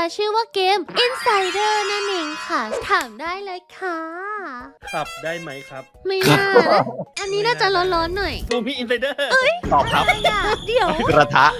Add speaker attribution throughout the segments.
Speaker 1: ชื่อว่าเกม Insider นั่นเองค่ะ ถามได้เลยค่ะ
Speaker 2: ขับได้ไหมครับ
Speaker 1: ไม่น่านะอันนี้น่าจะร้อนๆหน่อย
Speaker 2: ดูพี่อินไซเดอร์
Speaker 3: ตอบครับ
Speaker 1: เดี๋ยว
Speaker 3: กระทะ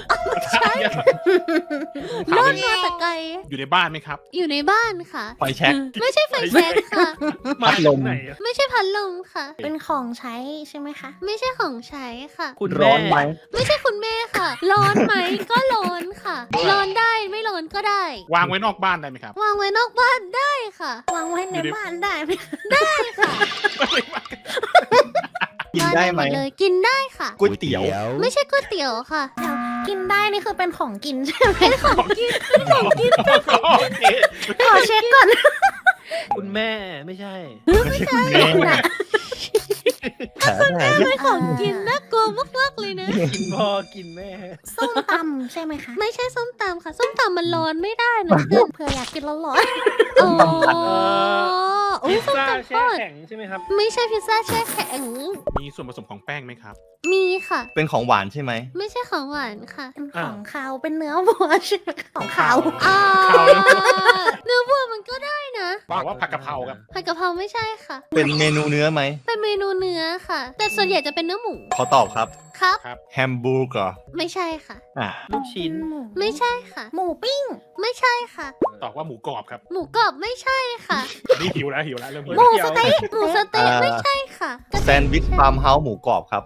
Speaker 1: ร้อนมาแต่ไกล
Speaker 4: อยู่ในบ้านไหมครับ
Speaker 1: อยู่ในบ้านค่ะ
Speaker 3: ไฟแช็ก
Speaker 1: ไม่ใช่ไฟแช็กค่ะ
Speaker 3: พัดลม
Speaker 2: ไหนอะ
Speaker 1: ไม่ใช่พัดลมค่ะ
Speaker 5: เป็นของใช้ใช่ไหมคะ
Speaker 1: ไม่ใช่ของใช้ค่ะ
Speaker 2: คุณ
Speaker 3: ร้อนไหม
Speaker 1: ไม่ใช่คุณแม่ค่ะ ร้อนไหมก็ร้อนค่ะ ร้อนได้ไม่ร้อนก็ได้
Speaker 4: วางไว้นอกบ้านได้ไหมครับ
Speaker 1: วางไว้นอกบ้านได้ค่ะ
Speaker 5: วางไว้ในบ้านได้ไหม
Speaker 1: ได้ค่ะ
Speaker 3: กินได้ไหม
Speaker 1: เลยกินได้ค่ะ
Speaker 3: ก๋วยเตี๋ยว
Speaker 1: ไม่ใช่ก๋วยเตี๋ยวค่ะ
Speaker 5: เดี๋ยวกินได้นี่คือเป็นของกินใช่ไหม
Speaker 4: ของกิน
Speaker 5: ขอเช็คก่อน
Speaker 2: คุณแม่ไม่ใช่
Speaker 3: ไม่ใช่คุณแม่
Speaker 1: ไม่ของกินน่ากลัวมากๆเลยนะ
Speaker 2: กินพ่อกินแม่
Speaker 5: ส้มตำใช่ไหมคะ
Speaker 1: ไม่ใช่ส้มตำค่ะ ส้มตำมันร้อนไม่ได้นะเพื่อน
Speaker 5: เผื่ออยากกินร้อน
Speaker 1: อ๋อโอ้
Speaker 2: พิ
Speaker 1: ย
Speaker 2: ซ
Speaker 1: ส้ม
Speaker 2: ซ่า
Speaker 1: ตำท
Speaker 2: แช่
Speaker 1: อด
Speaker 2: แข็งใช่ไหมครับ
Speaker 1: ไม่ใช่พิซซ่าแช่แข็ง
Speaker 4: มีส่วนผสมของแป้งไหมครับ
Speaker 1: มีค่ะ
Speaker 3: เป็นของหวานใช่ไหม
Speaker 1: ไม่ใช่ของหวานค่ะ
Speaker 5: ๆเป็นของคาวเป็นเนื้อวัวใช่ไหมคะของขาว
Speaker 1: อ่า
Speaker 4: ขาว
Speaker 1: เนื้อวัวมันก็ได้นะ
Speaker 4: บอกว่าผักกะเพราครับ
Speaker 1: ผัดกะเพราไม่ใช่ค่ะ
Speaker 3: เป็นเมนูเนื้อไหม
Speaker 1: เป็นเมนูเนื้อค่ะ แต่ส่วนใหญ่จะเป็นเนื้อหมู
Speaker 3: ขอตอบครับ
Speaker 1: ครับ
Speaker 3: แฮมบูร์เกอร์
Speaker 1: ไม่ใช่ค่ะ
Speaker 3: อ่ะ
Speaker 2: ลูกชิ้น
Speaker 1: ไม่ใช่ค่ะ
Speaker 5: หมูปิ้ง
Speaker 1: ไม่ใช่ค่ะ
Speaker 4: ตอบว่าหมูกรอบครับ
Speaker 1: หมูกรอบไม่ใช่ค่ะ
Speaker 4: นี่หิวแล้วเริ่มหิว
Speaker 1: หมูสเต๊ะหมูสเต๊ะไม่ใช่ค่ะ
Speaker 3: แซนด์วิชฟาร์มเฮาส์หมูกรอบครับ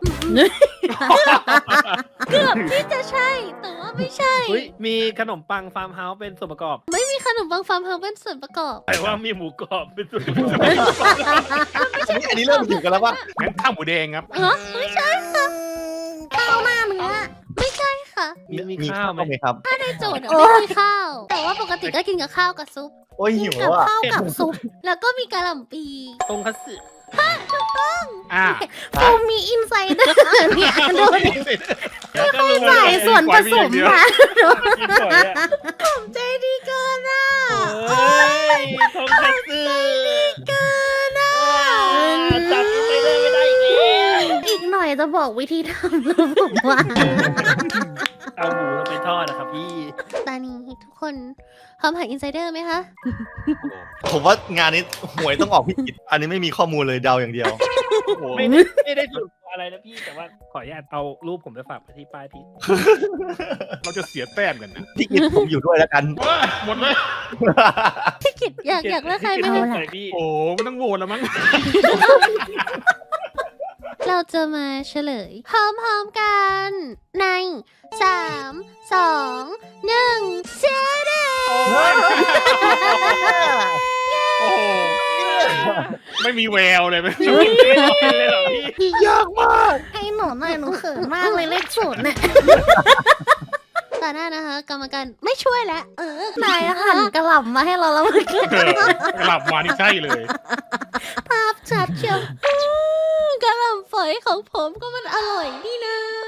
Speaker 1: เกือบที่จะใช่ แต่ว่าไม่ใช่
Speaker 2: เฮ้ยมีขนมปังฟาร์มเฮาส์เป็นส่วนประกอบ
Speaker 1: ไม่มีขนมปังฟาร์มเฮาส์เป็นส่วนประกอบ
Speaker 2: แต่ว่ามีหมูกรอบเป็นส่วนประกอบ
Speaker 3: อันนี้เริ่มถึงกันแล้วว่า
Speaker 4: งั้นข้าวหมูแดงครับ
Speaker 1: ฮะไม่ใช่ค่ะ
Speaker 5: ข้าวหน้าเนื้อ
Speaker 1: ไม่ใช่ค่ะ
Speaker 2: มีข้าวไหม
Speaker 3: ไหมครับ
Speaker 1: ในโจทย์อะไม่มีข้าว แต่ว่าปกติก็กินกับข้าวกับซุป
Speaker 3: โอ้ยหิว
Speaker 5: กับ
Speaker 3: อ่ะ
Speaker 5: ข้าวกับซุป
Speaker 1: แล้วก็มีกะหล่ำปี
Speaker 2: ตรงคัตสึ
Speaker 4: อ่า
Speaker 5: ฟูมีอินไซเดอร์เนี่ยดูดิ
Speaker 2: แล้วก็รู้
Speaker 5: ใส่ส่วนผสมมา
Speaker 2: กินบ่อยอะ
Speaker 1: ใจดีเกินอ่ะ
Speaker 2: เฮ้ยตรงคัตสึ
Speaker 1: เกินอ่ะ
Speaker 2: จำอินไซเดอร์ไม่ได้อีกแล้ว
Speaker 5: อีกหน่อยจะบอกวิธีทำแล้วผมว่า
Speaker 2: เอาหมูลงไปทอดนะครับพี่
Speaker 1: ตอนนี้ทุกคนพร้อมหาอินไซเดอร์ไหมคะ
Speaker 3: ผมว่างานนี้หวยต้องออกพิจิตอันนี้ไม่มีข้อมูลเลยเดาอย่างเดียว
Speaker 2: ไม่ได้ถูกอะไรนะพี่แต่ว่าขออนุญาตเอารูปผมไปฝากไว้ที่ป้ายพี่
Speaker 4: เราจะเสียแต้มกันนะ
Speaker 3: พี่กิตผมอยู่ด้วยแล้วกัน
Speaker 4: หมดเลย
Speaker 1: พี่กิจอยากเลือกใครไหม
Speaker 2: ไม่
Speaker 1: คะ
Speaker 2: ใส่พี่
Speaker 4: โอ้ไม่ต้องโหวตแล้วมั้ง
Speaker 1: เราจะมาเฉลย พร้อมๆกัน ใน 3 2 1เชียร์เด
Speaker 4: โอ้โหไม่มีแววเลยไหม
Speaker 2: เลยเหรอพี่
Speaker 3: ยากมาก
Speaker 5: ให้หนูหน่อยหนูเขินมากเลยเลขศูนย์เนี่ย
Speaker 1: ต่อหน้านะคะ กรรมการไม่ช่วยแล้ว
Speaker 5: นายหั่นกระหล่ำมาให้เราแล้วเมื่อกี้
Speaker 4: กลับมานี่ใช่เลย
Speaker 1: ภาพชัดเชียวกระหล่ำฝอยของผมก็มันอร่อยนี่นะ